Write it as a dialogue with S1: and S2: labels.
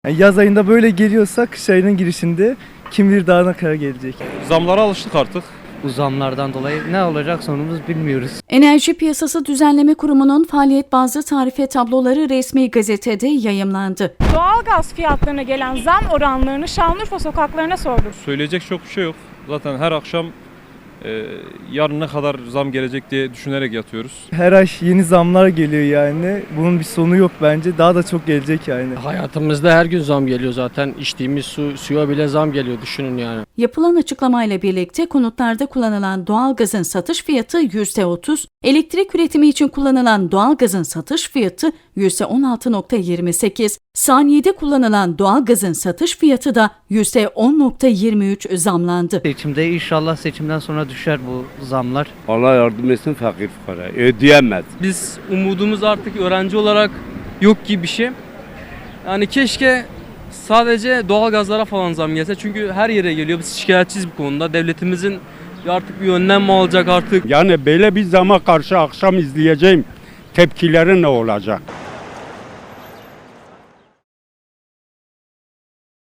S1: Yani yaz ayında böyle geliyorsa kış ayının girişinde kim bilir daha ne kadar gelecek.
S2: Zamlara alıştık artık.
S3: Bu zamlardan dolayı ne olacak sonumuz bilmiyoruz.
S4: Enerji Piyasası Düzenleme Kurumu'nun faaliyet bazlı tarife tabloları resmi gazetede yayımlandı.
S5: Doğalgaz fiyatlarına gelen zam oranlarını Şanlıurfa sokaklarına sorduk.
S2: Söyleyecek çok bir şey yok. Zaten her akşam yarın ne kadar zam gelecek diye düşünerek yatıyoruz.
S1: Her ay yeni zamlar geliyor yani. Bunun bir sonu yok bence. Daha da çok gelecek yani.
S6: Hayatımızda her gün zam geliyor zaten. İçtiğimiz suya bile zam geliyor, düşünün yani.
S4: Yapılan açıklamayla birlikte konutlarda kullanılan doğalgazın satış fiyatı %30, elektrik üretimi için kullanılan doğalgazın satış fiyatı %16.28, saniyede kullanılan doğalgazın satış fiyatı da %10.23 zamlandı.
S3: Seçimde inşallah seçimden sonra düşer bu zamlar.
S7: Allah yardım etsin fakir fukara. Ödeyemez.
S8: Biz umudumuz artık öğrenci olarak yok gibi bir şey. Yani keşke sadece doğalgazlara falan zam gelse. Çünkü her yere geliyor. Biz şikayetçiyiz bu konuda. Devletimizin artık bir önlem mi alacak artık?
S7: Yani böyle bir zama karşı akşam izleyeceğim tepkileri ne olacak?